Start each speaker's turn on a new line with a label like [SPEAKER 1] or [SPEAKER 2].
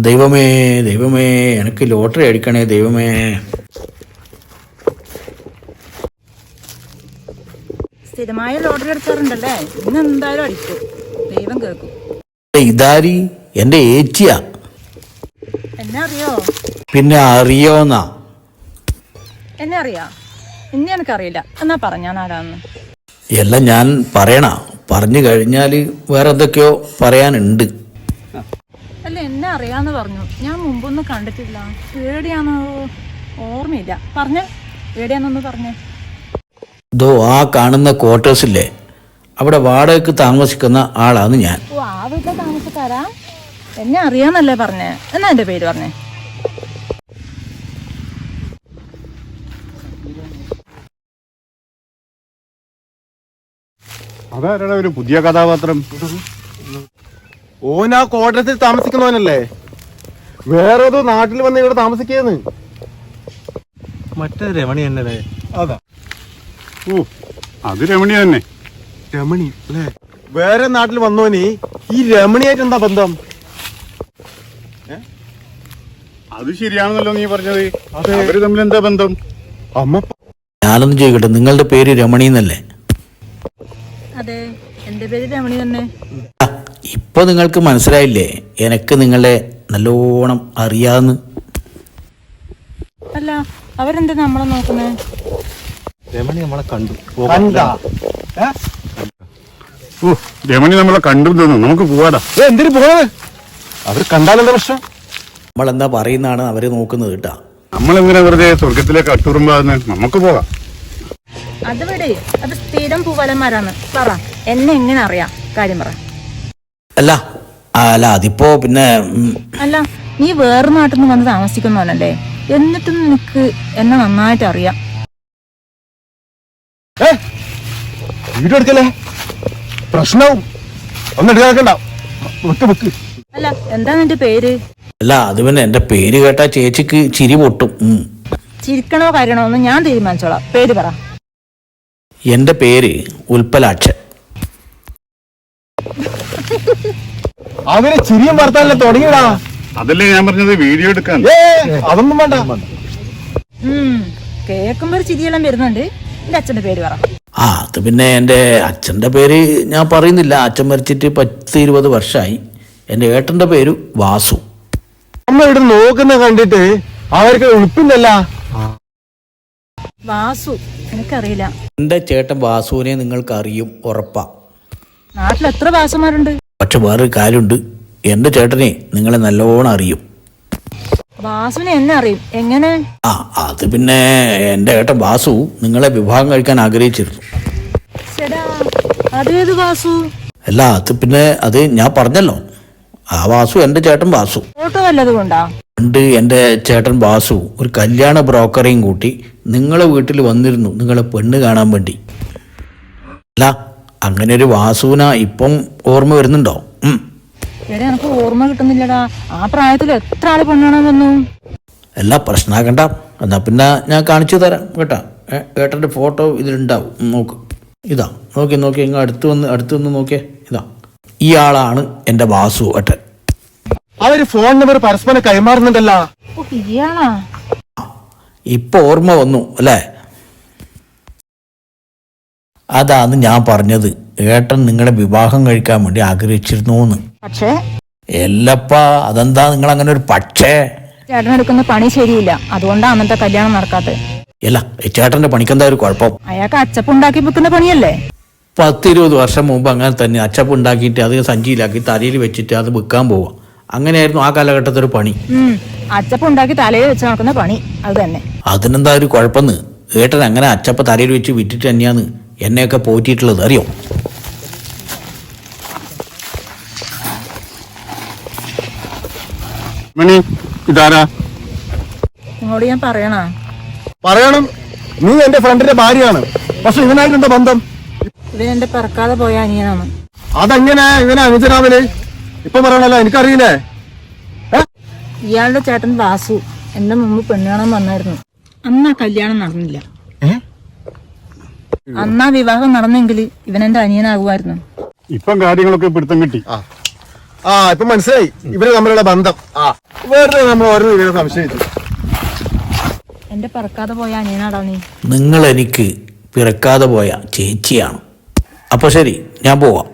[SPEAKER 1] ദൈവമേ ദൈവമേ, എനിക്ക് ലോട്ടറി അടിക്കണേ ദൈവമേ.
[SPEAKER 2] സ്ഥിരമായ ലോട്ടറി അടിച്ചാറുണ്ടല്ലേ, ഇന്ന് എന്തായാലും അടിക്കും, ദൈവം കേൾക്കും.
[SPEAKER 1] ഇതാരി എന്റെ ഏച്ചിയാ.
[SPEAKER 2] എന്നെ അറിയോ?
[SPEAKER 1] പിന്നെ അറിയോന്നാ?
[SPEAKER 2] എന്നെ അറിയാ? ഇന്ന് എനിക്കറിയില്ല, എന്നാ പറഞ്ഞാൻ ആരാന്ന്?
[SPEAKER 1] എല്ലാം ഞാൻ പറയണ, പറഞ്ഞു കഴിഞ്ഞാൽ വേറെ എന്തൊക്കെയോ പറയാനുണ്ട്.
[SPEAKER 2] അല്ല, എന്നെ അറിയാന്ന് പറഞ്ഞു, ഞാൻ മുമ്പൊന്നും കണ്ടിട്ടില്ല. എവിടെയാണോ ഓർമ്മയില്ല. പറഞ്ഞ എവിടെയാന്നൊന്ന് പറഞ്ഞേ.
[SPEAKER 1] ഇതോ ആ കാണുന്ന ക്വാർട്ടേഴ്സില്ലേ, അവിടെ വാടകയ്ക്ക് താമസിക്കുന്ന ആളാണ് ഞാൻ.
[SPEAKER 2] ഓ, ആ വീട്ടിലെ താമസക്കാരാ? എന്നെ അറിയാന്നല്ലേ പറഞ്ഞേ, എന്നാ എന്റെ പേര് പറഞ്ഞേ.
[SPEAKER 3] അതാരാണ് ഒരു പുതിയ കഥാപാത്രം? ഓൻ ആ ക്വാർട്ടേഴ്സിൽ താമസിക്കുന്നവനല്ലേ? വേറെ ഏതോ നാട്ടിൽ വന്ന് ഇവിടെ താമസിക്കുന്നു.
[SPEAKER 4] മറ്റേ രമണി തന്നെ.
[SPEAKER 3] അതാ. ഓ, അത് രമണി തന്നെ. രമണി അല്ലേ? വേറെ നാട്ടിൽ വന്നോനി ഈ രമണിയായിട്ട് എന്താ ബന്ധം?
[SPEAKER 5] അത് ശരിയാണെന്നല്ലോ നീ പറഞ്ഞത്. അവര് തമ്മിൽ എന്താ ബന്ധം?
[SPEAKER 3] അമ്മ
[SPEAKER 1] ഞാനൊന്നും ചോദിക്കട്ടെ, നിങ്ങളുടെ പേര് രമണി എന്നല്ലേ?
[SPEAKER 2] അതെ, എന്റെ പേര് രമണി തന്നെ.
[SPEAKER 1] ഇപ്പൊ നിങ്ങൾക്ക് മനസ്സിലായില്ലേ എനക്ക് നിങ്ങളെ നല്ലോണം അറിയാന്ന്?
[SPEAKER 2] അല്ല, അവരെന്താ നമ്മളെ നോക്കുന്നേ?
[SPEAKER 4] രമണി നമ്മളെ കണ്ടു.
[SPEAKER 5] ഓ, രമണി നമ്മളെ കണ്ടു തോന്നുന്നു. നമുക്ക് പോവാടാ.
[SPEAKER 3] എന്തിനു പോണത്? അവർ കണ്ടാലെന്താ പ്രശ്നം?
[SPEAKER 1] നമ്മളെന്താ പറയുന്നതാണ് അവര് നോക്കുന്നത് കേട്ടാ.
[SPEAKER 5] നമ്മളെന്തിനാ വെറുതെ സ്വർഗത്തിലേക്ക് അട്ടുറുമ്പാന്ന്? നമുക്ക് പോകാം.
[SPEAKER 2] അത് വിട്, അത് സ്ഥിരം പൂവലന്മാരാണ്. പറ, എന്നെ എങ്ങനെ അറിയാം? കാര്യം പറ.
[SPEAKER 1] അല്ല അല്ല അതിപ്പോ പിന്നെ
[SPEAKER 2] അല്ല, നീ വേറെ നാട്ടിൽ നിന്ന് വന്ന് താമസിക്കുന്നവനല്ലേ, എന്നിട്ടും നിനക്ക് എന്നെ നന്നായിട്ട് അറിയാം.
[SPEAKER 3] വീഡിയോ എടുക്കല്ലേ, പ്രശ്നവും ഒന്നും എടുക്കാക്കണ്ട.
[SPEAKER 2] അല്ല, എന്താ നിന്റെ പേര്?
[SPEAKER 1] അല്ല അത് പിന്നെ എന്റെ പേര് കേട്ടാ ചേച്ചിക്ക് ചിരി പൊട്ടും.
[SPEAKER 2] ചിരിക്കണോ കരയണോ എന്ന് ഞാൻ തീരുമാനിച്ചോളാം. പേര് പറ.
[SPEAKER 1] എന്റെ പേര് ഉൽപ്പലാക്ഷൻ.
[SPEAKER 3] അവര് ചിരിയും വർത്താനല്ലേ തുടങ്ങിയടാ.
[SPEAKER 5] അതല്ലേ ഞാൻ പറഞ്ഞത്, വീഡിയോ എടുക്കാൻ.
[SPEAKER 3] അതൊന്നും വേണ്ട.
[SPEAKER 2] കേൾക്കുമ്പോ ഒരു ചിരിയെല്ലാം വരുന്നുണ്ട്. എന്റെ അച്ഛന്റെ പേര് പറ.
[SPEAKER 1] അത് പിന്നെ എന്റെ അച്ഛന്റെ പേര് ഞാൻ പറയുന്നില്ല. അച്ഛൻ മരിച്ചിട്ട് 10-20 വർഷമായി. എന്റെ ഏട്ടന്റെ പേര് വാസു.
[SPEAKER 3] അമ്മ ഇവിടെ നോക്കുന്ന കണ്ടിട്ട് അവർക്ക് എളുപ്പില്ലല്ല.
[SPEAKER 2] വാസു എനിക്കറിയില്ല.
[SPEAKER 1] എന്റെ ചേട്ടൻ വാസുവിനെ നിങ്ങൾക്ക് അറിയും, ഉറപ്പാ.
[SPEAKER 2] നാട്ടിൽ എത്ര വാസുമാരുണ്ട്?
[SPEAKER 1] പക്ഷെ വേറൊരു കാര്യമുണ്ട്, എന്റെ ചേട്ടനെ നിങ്ങളെ നല്ലോണം അറിയും.
[SPEAKER 2] വാസുവിനെ എന്നെ അറിയും? എങ്ങനെ?
[SPEAKER 1] അത് പിന്നെ എന്റെ ഏട്ടൻ വാസു നിങ്ങളെ വിവാഹം കഴിക്കാൻ ആഗ്രഹിച്ചിരുന്നു.
[SPEAKER 2] അതേത് വാസു?
[SPEAKER 1] അല്ല അത് പിന്നെ അത് ഞാൻ പറഞ്ഞല്ലോ, ആ വാസു എന്റെ ചേട്ടൻ വാസു.
[SPEAKER 2] ഫോട്ടോ വല്ലതും കൊണ്ടാ?
[SPEAKER 1] പണ്ട് എന്റെ ചേട്ടൻ വാസു ഒരു കല്യാണ ബ്രോക്കറേയും കൂട്ടി നിങ്ങളെ വീട്ടിൽ വന്നിരുന്നു, നിങ്ങളെ പെണ്ണ് കാണാൻ വേണ്ടി. അല്ല അങ്ങനെ ഒരു വാസുവിന ഇപ്പം ഓർമ്മ വരുന്നുണ്ടോ?
[SPEAKER 2] എടാ, എനിക്ക് ഓർമ്മ കിട്ടുന്നില്ലടാ. ആ പ്രായത്തിൽ എത്ര ആള് പെണ്ണാണാൻ വന്നു?
[SPEAKER 1] എല്ലാ പ്രശ്നമാക്കണ്ട, എന്നാ പിന്നെ ഞാൻ കാണിച്ചു തരാം കേട്ടാ. ഏട്ടന്റെ ഫോട്ടോ ഇതിലുണ്ടാവും, നോക്ക്. ഇതാ നോക്കി നോക്കി, ഇങ്ങ് അടുത്ത് വന്ന് നോക്കിയേ. ഇതാ ഈ ആളാണ് എന്റെ വാസു ഏട്ടൻ.
[SPEAKER 3] അവര് ഫോൺ നമ്പർ പരസ്പരം കൈമാറുന്നുണ്ടല്ലോ.
[SPEAKER 2] ഇയാളാ?
[SPEAKER 1] ഇപ്പൊ ഓർമ്മ വന്നു അല്ലേ? അതാണ് ഞാൻ പറഞ്ഞത്, ഏട്ടൻ നിങ്ങളെ വിവാഹം കഴിക്കാൻ വേണ്ടി ആഗ്രഹിച്ചിരുന്നു.
[SPEAKER 2] പക്ഷേ
[SPEAKER 1] എല്ലപ്പാ, അതെന്താ നിങ്ങൾ അങ്ങനെ ഒരു പക്ഷേ?
[SPEAKER 2] ചേട്ടനെടുക്കുന്ന പണി ശരിയില്ല, അതുകൊണ്ടാണ് അന്നത്തെ കല്യാണം നടക്കാത്തത്.
[SPEAKER 1] അല്ല ചേട്ടന്റെ പണിക്കെന്താ ഒരു കുഴപ്പം?
[SPEAKER 2] അയാൾക്ക് അച്ചപ്പുണ്ടാക്കി വെക്കുന്ന പണിയല്ലേ?
[SPEAKER 1] 10-20 വർഷം മുമ്പ് അങ്ങനെ തന്നെ അച്ചപ്പ് ഉണ്ടാക്കിയിട്ട് അത് സഞ്ചിയിലാക്കി തലയിൽ വെച്ചിട്ട് അത് വിൽക്കാൻ പോവാം. അങ്ങനെയായിരുന്നു ആ കാലഘട്ടത്തൊരു പണി.
[SPEAKER 2] അച്ചപ്പുണ്ടാക്കി തലയിൽ വെച്ച് നടക്കുന്ന പണി അത് തന്നെ.
[SPEAKER 1] അതിനെന്താ ഒരു കുഴപ്പമെന്ന്? ഏട്ടൻ അങ്ങനെ അച്ചപ്പ തലയിൽ വെച്ച് വിറ്റിട്ട് തന്നെയാന്ന് എന്നെയൊക്കെ പോറ്റിയിട്ടുള്ളത്, അറിയോ?
[SPEAKER 5] മണി ഇതാരാ?
[SPEAKER 2] നിങ്ങളോട് ഞാൻ
[SPEAKER 3] പറയണം. നീ എന്റെ ഫ്രണ്ടിന്റെ ഭാര്യയാണ്, പക്ഷെ ഇവനായിട്ടെന്താ ബന്ധം?
[SPEAKER 2] ഇവൻ എന്റെ പിറക്കാതെ പോയ അനിയനാണ്.
[SPEAKER 3] അതെങ്ങനെ ഇവനെ അനുജനാവിന് ഇപ്പൊ പറയണല്ലോ, എനിക്കറിയില്ലേ.
[SPEAKER 2] ഇയാളുടെ ചേട്ടൻ വാസു എന്റെ മുമ്പ് പെണ്ണ് കാണാൻ വന്നായിരുന്നു. അന്നാ കല്യാണം നടന്നില്ല. അന്നാ വിവാഹം നടന്നെങ്കിൽ ഇവൻ എന്റെ അനിയനാകുമായിരുന്നു.
[SPEAKER 5] ഇപ്പം കാര്യങ്ങളൊക്കെ പിടുത്തം കിട്ടി.
[SPEAKER 3] ആ ഇപ്പൊ മനസ്സിലായി ഇവര് തമ്മിലുള്ള ബന്ധം. ആ വേറെ നമ്മൾ ഓരോ ഇവരെ സംശയിച്ചു.
[SPEAKER 2] എന്റെ പറക്കാതെ പോയ അനിയനാടാ നീ.
[SPEAKER 1] നിങ്ങൾ എനിക്ക് പിറക്കാതെ പോയ ചേച്ചിയാണ്. അപ്പോൾ ശരി, ഞാൻ പോവാം.